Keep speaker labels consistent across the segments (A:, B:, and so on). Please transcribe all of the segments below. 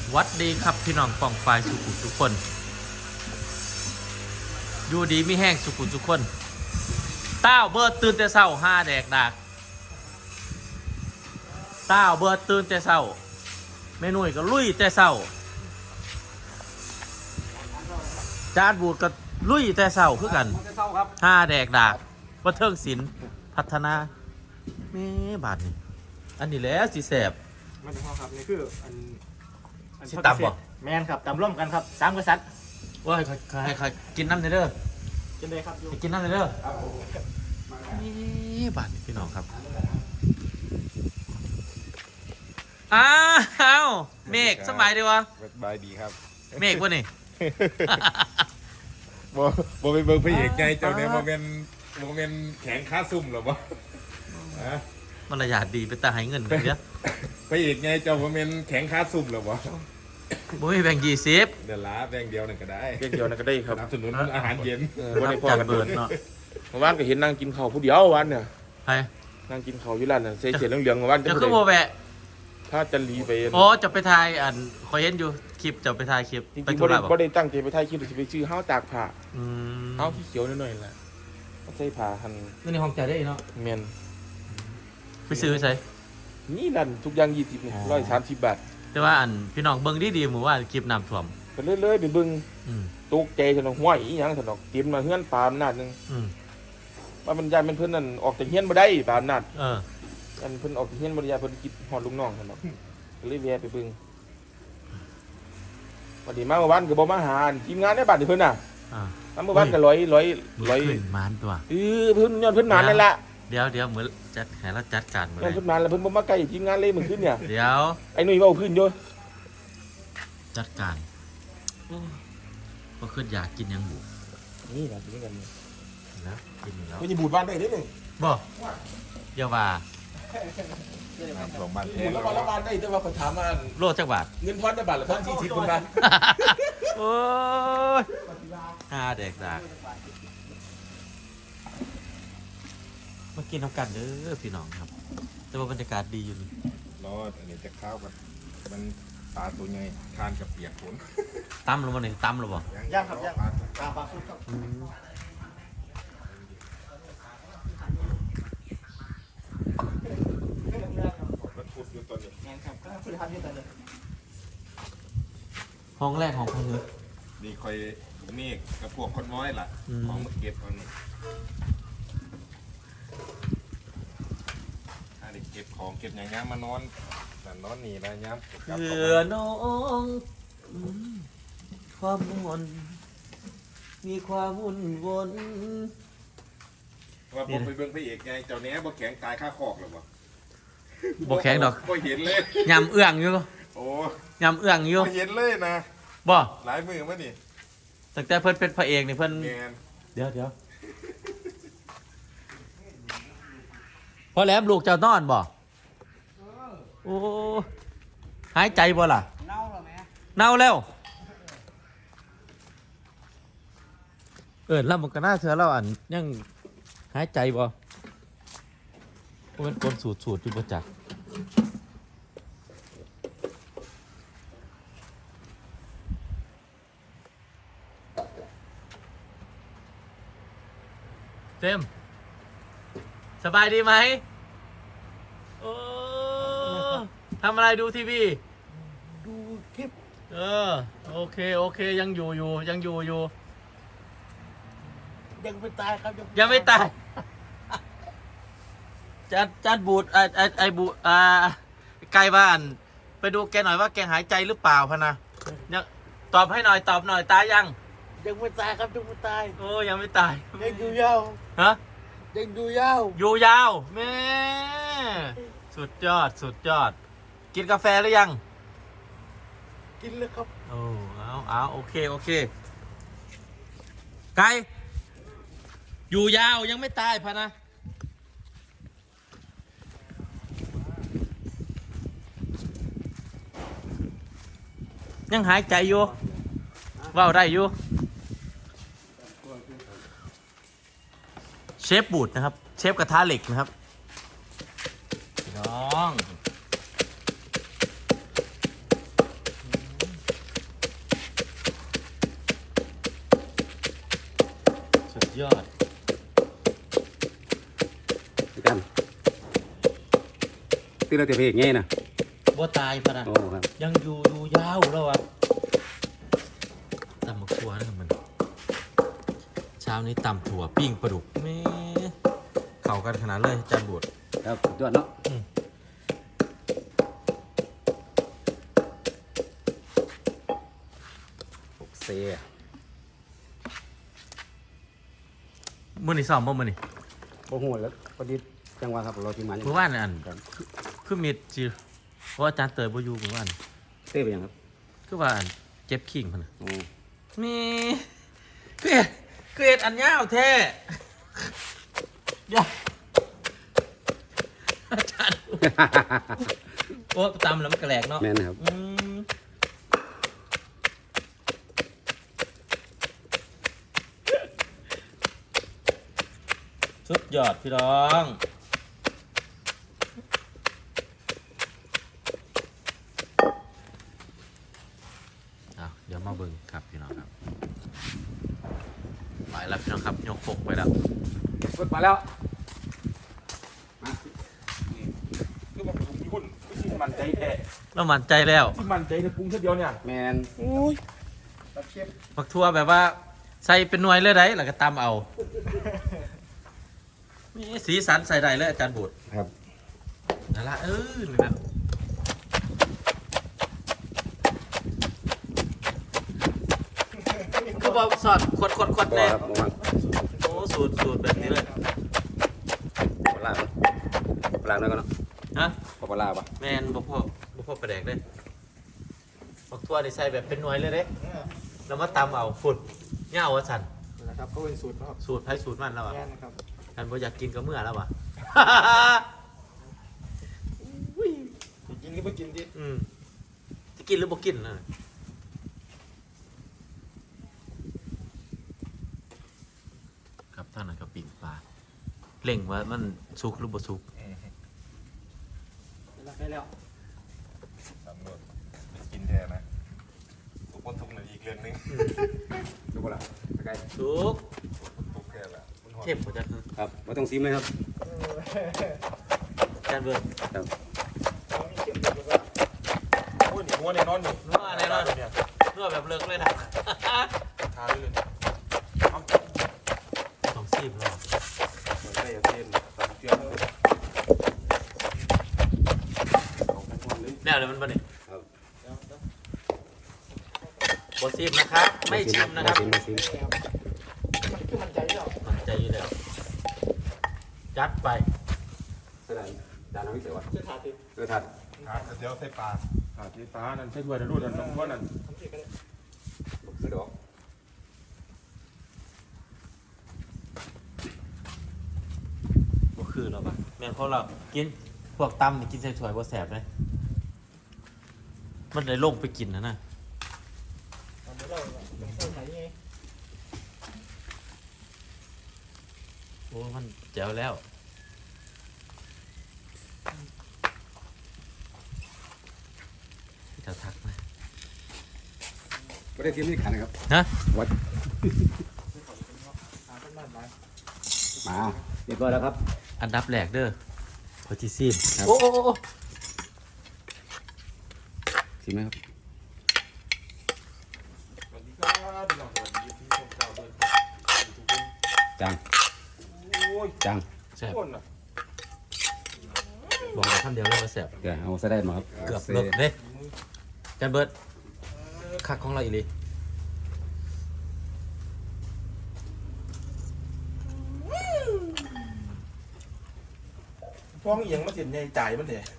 A: วัดดีครับพี่น้องป้องปลายสุขุทุกคนอยู่ดีไม่แห้งสุขุทุกคนต้าวเบิร์ดตื่นแต่เช้าห้าแดกดากต้าวเบิร์ดตื่นแต่เช้าเมนุ่ยก็ลุยแต่เช้าจานบูดก็ลุยแต่เช้าคือกันห้าแดกดากว่าเทิงศิลป์พัฒนาแม่บาทนี่อันนี้แหละสิแสบ
B: มันเป็นข้อครับนี่คืออัน
A: สิตำบ่
B: แมนครับตำร่วมกันครับสามกษัตริย์
A: ว่าให้กินน้ำในเด้อ
B: กินเลยครับอยู่
A: ให้กินน้ำในเด้อนี่บาทนี่พี่น้องครับอ้าวเมฆสมัยดีวะ
C: สบายดีครับ
A: เมฆวะนี่
C: บ่เป็นเบิ่งพระเอกไงเจ้าเนี่ยบ่เป็นแข็งค่าซุ่มหรอบ่ฮะ
A: มารยาทดีเป็นตาให้เงินกันเยอะ
C: พระเอกไงเจ้าบ่เป็นแข็งค่าซุ่มหรอบ่
A: บ่มีแบ่ง20
C: เดี๋ยวล้าแบ่งเดียวนั่นก็ได้
D: เพียงเดียวนั่นก็ได้ค
C: ส
D: รับ
C: นับสนุนอาหารเย็น
D: วันนี้พอ
A: จัด
D: กัน
A: เบิร์ดเนาะ
D: เมื่อวานก็เห็นนั่งกินข้าวผู้เดียววันเนี่ย
A: ไป
D: นั่งกินข้าวอยู่ร้านน่ะเสียเหลืองๆเมื่อวาน
A: จะ
D: จะ
A: ขึ้นโมแวะ
D: ถ้าจะรีไป
A: โอ้จะไปถ่ายอันคอยเห็นอยู่คลิปจะไปถ่ายคลิป
D: จริง
A: ไป
D: ๆ
A: ธุ
D: บ่ได้
A: ระบ่
D: บ่ได้ตั้งใจไปถ่ายคลิปหรือสิไปซื้อห้าวตากผ้า
A: อืม
D: ห้าวที่เขียวหน่อยๆแหละเอาใส่ผ้าหั่น
A: นี่ในห้องจ่ายได้เนาะ
D: แม่น
A: ไปซื้อใส่
D: นี่นั่นทุกอย่าง20นี่130 บาท
A: แต่ว่าอันพี่น้องเบิ่งดีๆหมู่ว่าคลิปน้ำท่วม
D: ไปเรื่อยๆไปเบิ่ง
A: อืม
D: ตกใจซั่นห้วยอีหยังซั่นดอกเตรียมมาเฮือนปาอำนาจนึง
A: อืม
D: ว่ามันยานเพิ่นนั่นออกจากเฮียนบ่ได้ปาอำนาจ
A: เออ
D: อันเพิ่นออกจากเฮียนบ่ได้ยานเพิ่นคิดฮอดลูกน้องซั่นดอกก็เลยแวะไปเบิ่งวันนี้มาเมื่อวานก็บ่มาหาทีมงานในบ้านนี่เพิ่นน่ะ
A: อ่า
D: น้ำเมื่อวานก็ร้อย
A: ขึ้นมานตัว
D: เพิ่นย้อนเพิ่นนานนั่นแหละ
A: เดี๋ยวเหมือนจัดให้เราจัดการหมด
D: ย้
A: เล
D: อน
A: ย
D: เพิ่นนานแล้วเพิ่นบ่มาใกล้ทีมงานเลยเมื่อคืนเนี่ย
A: เดี๋ยว
D: ไอ้หนุ่ยเว้าพื้นอยู่
A: จัดการก็ขึ้นอยากกินยังบุ
D: นี่ล่ะกินกัน
A: นะกินอยู่แล้ว
D: เพิ่นสิบูดบ้านได้เด้นี่
A: บ่เดี๋ยวว่า
C: น้ำท่วมบ้านแท้
D: บูดแล้วบ้านได้แต่ว่าเขาถามว่า
A: โลจักบาท
D: เงินพรได้บาทละ1,040เพิ่นว่า
A: โอ้ยห้าแดกดากมากินน้ำกันเด้อพี่น้องครับ แต่ว่าบรรยากาศดีอยู่นี่
C: รออันนี้จะข้าวกันมันปลาตัวใหญ่ทานกับเปียกฝน
A: ตั้มหรือบ่นี่ตั้มหรือบ่
B: ย่างครับย่างปลาสุดครับ
C: มันพูดอยู่ตอนนี้
B: แมนครับก็คือทำที่ตอนนี้
A: ห้องแรกของพงนึก
C: นี่คอยเมฆกับพวกคนน้อยล่ะ
A: อืม
C: ของมาเก็บเอานี่ถ้าได้เก็บของเก็บอย่างงี้มานอนแต่นอนนี่นะย้ำกลับ
A: เพื่
C: เข้า
A: อ
C: มา
A: น้องความมนมีความวุ่นวน
C: ว่าผมไปเบิ่งพระเอกไงเจ้าเนี้ยบ่แข็งตายค่าคอกหรอบ่
A: บ่แข็งดอก
C: บ่เห็นเลย
A: ยำเอื้องอยู่
C: โอ้
A: ยำเอื้องอยู่
C: บ่เห็นเลยนะ
A: บ่
C: หลายมือมานี่
A: ตั้งแต่เพิ่นเป็นพระเอกนี่เพิ่น
C: แมน
A: เดี๋ยวพอแหลมลูกเจ้านอนบ่โอ้หายใจบ่ล่ะ
B: เน่าหรอแม่
A: เน่าแล้วแล้วมันก็น่าเชื่อเราอันยังหายใจบ่เพราะมันคนสูดอยู่ประจักษ์เต็มสบายดีไหมโอ้ทำอะไรดูทีวี
B: ดูคลิป
A: โอเคยังอยู่ยังอยู่
B: ยังไม่ตายครับ
A: ยังไม่ตาย จัดบูดไอบูดไกลบ้าน ไปดูแกหน่อยว่าแกหายใจหรือเปล่าพะนะยังตอบให้หน่อยตอบหน่อยตายยัง
B: ยังไม่ตายครับยังไม่ตาย
A: โอ้ยังไม่ตาย
B: ยังอยู่ยาว
A: ฮะ
B: ยังอยู่ยาว
A: อยู่ยาวแม่สุดยอด กินกาแฟหรือยัง
B: กินเลยครับ
A: โอ้เอาโอเคไกลอยู่ยาวยังไม่ตายพะนะ ยังหายใจอยู่ว่าวได้อยู่เชฟบูดนะครับ เชฟกระทะเหล็กนะครับพี่น้องยอด
E: กันตีเราจะเพลงไงนะ
A: บ่ตายพะนะ
E: โอ้ครับ
A: ยังอยู่ยาวแล้วอ่ะตำมะขัวนะครับมันเช้านี้ตำถั่วปิ้งปลาดุกแม่เข้ากันขนาดเลยจานบวช
E: ครับสุดยอดเนาะโอเค
A: มื้อนี้ซ้อมบ่มื้อนี้
E: โอ้โหแล้วพอดีจังหวะครับเราทีมงาน
A: มื้อวานอันคือมีดจิเพราะอาจารย์เตยบ่อยู่มื้อวาน
E: เต้ไปยังครับ
A: คือว่าอันเจ็บขิงพุ่นน่ะ
E: โอ้
A: มีคือเฮ็ดอันยาวแท้อย่าอาจารย์โอ้ตำแล้วมันกระแหลกเนาะ
E: แม่นนะครับ
A: สุดยอดพี่น้อง เดี๋ยวมาเบิ่งครับพี่น้องครับไปแล้วพี่น้องครับยกปกไปแล้ว
E: กดมาแล้ว
D: คือมันปรุงญี่ปุ่นไม่ใช่มันใจแท้
A: เรามั่นใจแล้ว
D: ที่มันใจในปรุงแค่เดียวเนี่ย
E: แมน
D: โอ้ย
A: ผักทั่วแบบว่าใส่เป็นหน่วยเลยได้แล้วก็ตำเอามีสีสันใส่ได้เลยอาจารย์บุตร
E: ครับ
A: นั่นละนี่นะก็บอกสอดขวด
E: ก็
A: แน่
E: ครับประมาณ
A: โอ้สูตรแบบนี้เลย
E: ปลาปลาหน่อยก็เนาะ
A: ฮะ
E: ปลาปะ
A: แมนบ่พ่อประแดกเลยผักทั่วนี่ใส่แบบเป็นหน่วยเลยเด้แล้วมาตำเอาฝุ่นเงาวะสัน
B: นะครับก็เป็นสูตรนะครับ
A: สูตรไผ่สูตรมันแล้วอ่ะ
B: แน่นะครับ
A: กันบ่อยากกินก็เมื่อแล้วอ่ะ
B: กินก็ไม่กินดิ
A: จะกินหรือบ่กินนะครับท่านนั้นก็ปิ่งปลาเล่งว่ามันสุกหรือบ่สุก
B: ได้แล้ว
C: สำรวจเป็นกินแท้นะทุกคนทุกหนึ่งอีกเรื่องหนึง
E: ดูปลาใกล้
A: สุก
C: ทุกแค่ละมันหอม
A: เข้มกว่าจัน
E: ครับไม่ต้องซิมเลยครับ
A: จานเบิร์ด
E: ครับ
D: โอ้ยนี่หัวในนอนนี่
A: นัวแน่นอน
D: เนี่ย
A: นัวแบบเลิกเลยนะ
D: ทาได้เลยเอา
A: สองซีบแล้ว
D: เหมือนได้ยาเส้นตามเชื่อมเลยเอาไปก่อนเลย
A: แล้วเดี๋ยวมันบ่นี่
E: ครับ
A: บ่ซีบนะครับ ไม่ชิมนะครับ
E: ไม่ซิม
B: คือมันใจแล้ว
A: มันใจอยู่แล้ว จัดไป
E: เท่าไหร่จานน้ำพิเศษวะ
B: เสื้อขาดติด
E: เออถัด
C: หาเดี๋ยวใส่ปลา
D: ขาดที่ฟ้านั่นใช่ถ้วยนะรูดนั่นน้องพ่อนั่น
B: ทำสิกันเลย
E: ซื้อดอก
A: บ่คือเราปะแม่นเพราะเรากินพวกตำนี่กินใส่ถ้วยบ่แสบเลยมันเลยลงไปกินนะ
B: ตอนนี้เราเสื้อไหนไง
A: โอ้มันแจ๋วแล้วจะทักไหม
E: ไม่ได้ซิมนี่ขันนะครับ
A: ฮะ
E: วัด
B: หาต้นบ้านไม้
E: มาเรียบร้อยแล้วครับ
A: อันดับแรกเด้อพอจีซีม
E: ครับ
A: โอ้
E: ซิมไหมครับ
D: สวัสดีครับพี่น้องสวัสดีพี่ชมเจ้าด้วยทุกคน
E: จาง
D: โอ้ย
E: จาง
A: แซ่บ
D: คนอ่ะ
A: บอกเลยคำเดียวเลยว่าแซ่บ
E: เดี๋ยวเอาซะได้มาครับ
A: เกือบเลิกเด้จันเบิร์ดคักของเราอีหลี
D: ฟ้องเอียงมาเสียในจ่ายมันเถอะ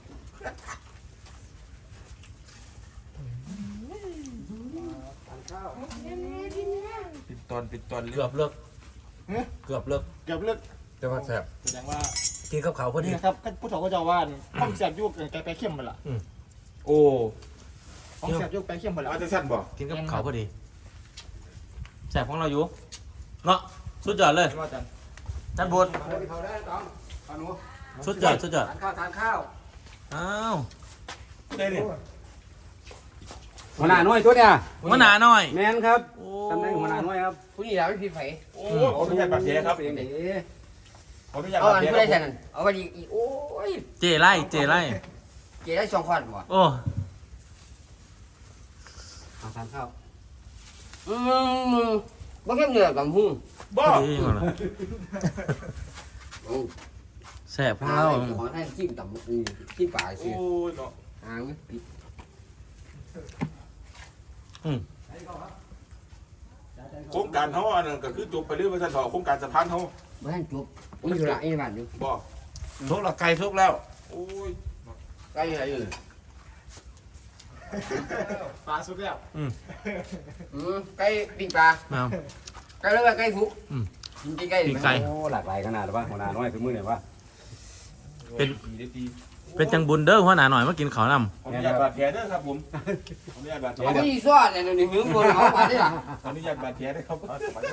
D: ปิดตอนเลย
A: เกือบเลิกเกือบเลิก
B: เกือบเลิก
A: แต่ว่าแซ่บ
B: แสดงว่า
A: กินกับเขาวพอดี
B: นี่นะครับผู้ถกก็จะว่านห้องแสบยุกแกไปเข้มหมดละ
D: โอ้
B: ห้องแสบยุกไปเข้มหมดละ
D: มาจะสั้นบ่
A: กินกับเขาวพอดีแซ่บของเราอยู่เนาะสุดยอดเลย
B: ว่าจัน
A: จันเบิร์ด
E: เขาได้ต้องขนุ
A: สุดยอด
E: ทานข้าวทานข้าว
A: อ้าว
D: ได้เนี่ย
E: หัวหน้าน้อยตัวเนี่ย
A: หัวหนาหน่อย
E: แมนครับ
A: โอ้
E: ตำแหน่งหัวหน้าน้อยครับ
A: โ
F: ผู้นี้เราไม่ผิดไผ
C: โอ้ขออนุญาตบาดแผลครับขออนุญาต
F: เอา
C: บาด
F: อัน
C: แผล
F: ผู้ใดแทนเอาไปอีกโอ้ย
A: เจไล่เจไล่
F: เจ๊ได้2ควันบ่
A: โอ้
F: เอาทานข้าวบ่เข้มเนื้อกับหุ้ง
C: บ่
A: พอดีมาเลยแซ่บของเรา
F: ขอให้จิ้มต่ำจิ้มปลา
C: โอ้
F: ซื้อย
C: เนาะ
F: หางปิด
C: โครงการเขาอันนั้นก็คือจบไปเรื่อยว่าท่านต่อโครงการสะพานเขา
F: บ่ทันจบมันอยู่ละอีบ้านอยู่
C: บ่
E: ทุกละไก่ทุกแล้ว
C: โอ้ย
E: ไก่อะไรอยู่
B: ปลาสุกแล้ว
F: ไก่ปิ้งปลา
A: เอา
F: ไก่แล้วก็ไก่สุกกินไก่
A: ปีกไก่
E: โอ้หลากหลายขนาดหรือว่าหัวหน้าน้อยถึงมือเนี่ยว่า
A: เป็นจังบุญเด้อหัวหน้าหน่อยมากินข้าวน
C: ขออนุญาตบาดแผลด้วยครับผมขออนุญาตบาดแผล
F: มัน
C: ด้วย
F: มีซอสเนี่ยนี่มึงบ่เอาปลาได้ล่ะ
C: ขออนุญาตบาดแผลด้วยครับ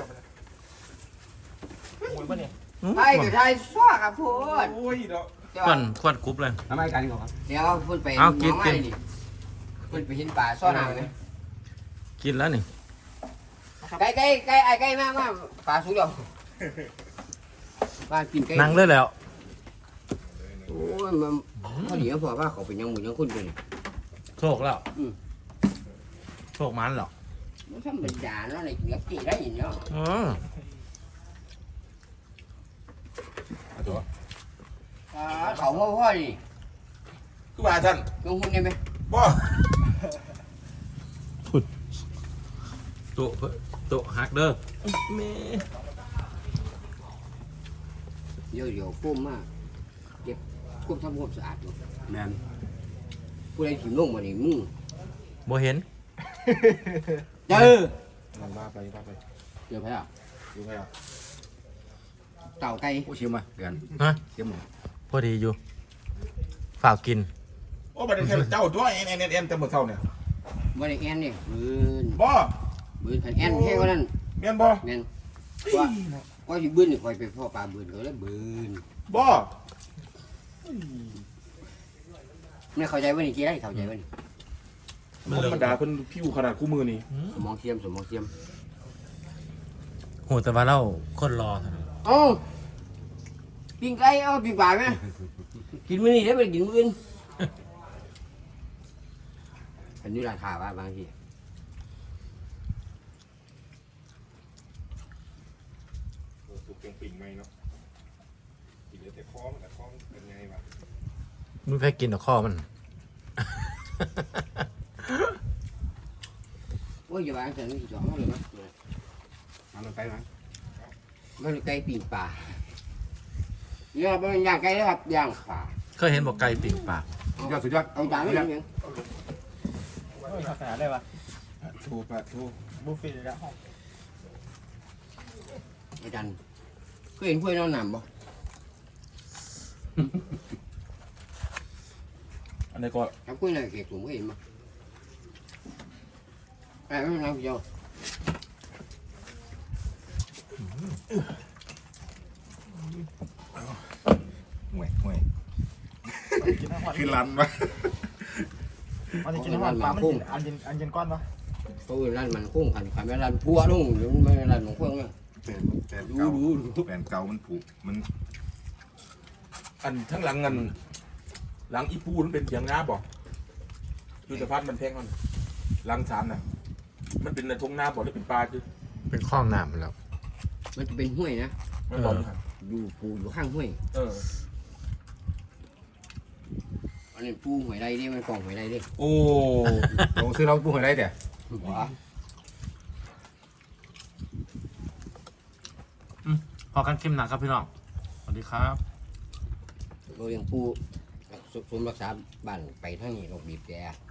B: หมุนปะเนี่ย
A: ำ
F: ไอ้ก็ไทยซอสครับพูด
C: โอ้ยเนาะ
A: ควันควันกรุ๊บเลย
E: ทำไมกันเขาครับ
F: เดี๋ยวพูดไป
A: เอากิน
F: น้องไม้ดิพูดไปเห็นปลาซ่อนหางเลย
A: กินแล้วนี่
F: ไก่ไอ้ไก่มากปลาสุกแล้วบ้านกินไก่
A: นั่งเลยแล้ว
F: โอ้ยมันพอดีพอว่าเขาเป็นยังหมูยังคนเป็น
A: โชคแล้วโชคมันหรอก
F: มันทำเป็นจานแล้วอะไรกินกับกี่ได้ยินเนาะ
A: อืม
F: เขาพ่อดิ
C: คือว่าท่าน
F: ลงทุนได้ไหม
C: บ่
A: โตะโตะฮักเด้อแม่
F: เดี๋ยวก้มมากเก็บก้มทำความสะอาด
E: แมน
F: ผู้ใดถิ่มลงมานี่มึง
A: บ่เห็น
F: เจอ
C: มาไป
F: เจอไปอ่ะ
C: ดูไปอ่ะ
F: เต่าไก่
E: ผู้ชิมมาเดือน
A: ฮะ
E: ชิม
A: พอดีอยู่ฝากกิน
C: โอ้บัดนี้เจ้าตัวเอ็นแต่หมดเท่าเนี่ย
F: บริแอนนี่
C: บ่
F: บืนขันแอนแค่ว่านั้น
C: แม่นบ่
F: แม่นว่าสิบืนนี่คอยไปพ่อปลาบืนเขาแล้วบืน
C: บ่
F: ไม่เข้าใจว่านี่กี่ได้เข้าใจว่านี่
C: ธรรมดาเพิ่นผิวขนาดคู่มือนี่
F: สมองเทียมสมองเทียม
A: โหแต่ว่าเราคนรอเท่านั้น
F: เอ้าปิ้งไก่เอาปิ้งปลาไหมกินมื้อนี้ได้ไปกินมื้ออื่นอันนี้ราคาว่าบางที
C: สุกปิ่งไหมเนาะกินแต่คอมันแต่คอมันเป็นไงวะ
A: มึงแพ้กินแต่ข้อมัน
F: โอ้ยอย่าวางแต่นี่สองเลยมั้ย
E: เอามันไปมั้ย
F: มันไก่ปิ้งปลาเนี่ยเป็นย่างไก่นะครับย่างปลา
A: เคยเห็นบอกไก่ปิ่งปาก
E: สุดยอดสุดยอด
F: เอาจานไม่ยัง
B: ขนาดได้ปะ
C: ทูปะทู
B: บุฟเฟ่ต์แล้ว
F: อาจารย์เคยเห็นกล้วยนอนหนามบ่
C: อันนี้ก็
F: ครับกล้วยนอนเก็บถุงเคยเห็นบ่ไอ้ไม่นำเดียว
C: ห่วย
B: กินทั้งวัน
C: คือรันวะ
B: อันนี้กินทั้งวันปลามันกินอันเย็นก้อนปะ
F: เขาเอิ้นร้านมันคุ้งขันขันไม่ร้านพัวลงหรือไม่ร้านหลวงพ่อเนี่ย
C: แต่เก่าแฟนเก่ามันผูกมัน อันทั้งหลังอันหลังอีปูมันเป็นเถียงนาบ่อยู่สะพานมันแพงมันหลังศาลน่ะ มันเป็นในทงนาบ่หรือเป็นปลาคือ
A: เป็นข้องน้ำแล้ว
F: มันจะเป็นห้วยนะ
C: มันบอกอยู่ครับ
F: อยู่ปูอยู่ข้างห้วย
C: เออ
F: อันนี้ปูหวยไรดิมันกล่องหวยไรดิ
C: โอ้
E: ลงซื้อเราผู้ให้ได้แต่
F: หัว
A: พอกันเข้มหนักครับพี่น้องสวัสดีครับ
F: เราเลี้ยงปูสมรักษาบ้านไปทางนี้เราบีบแก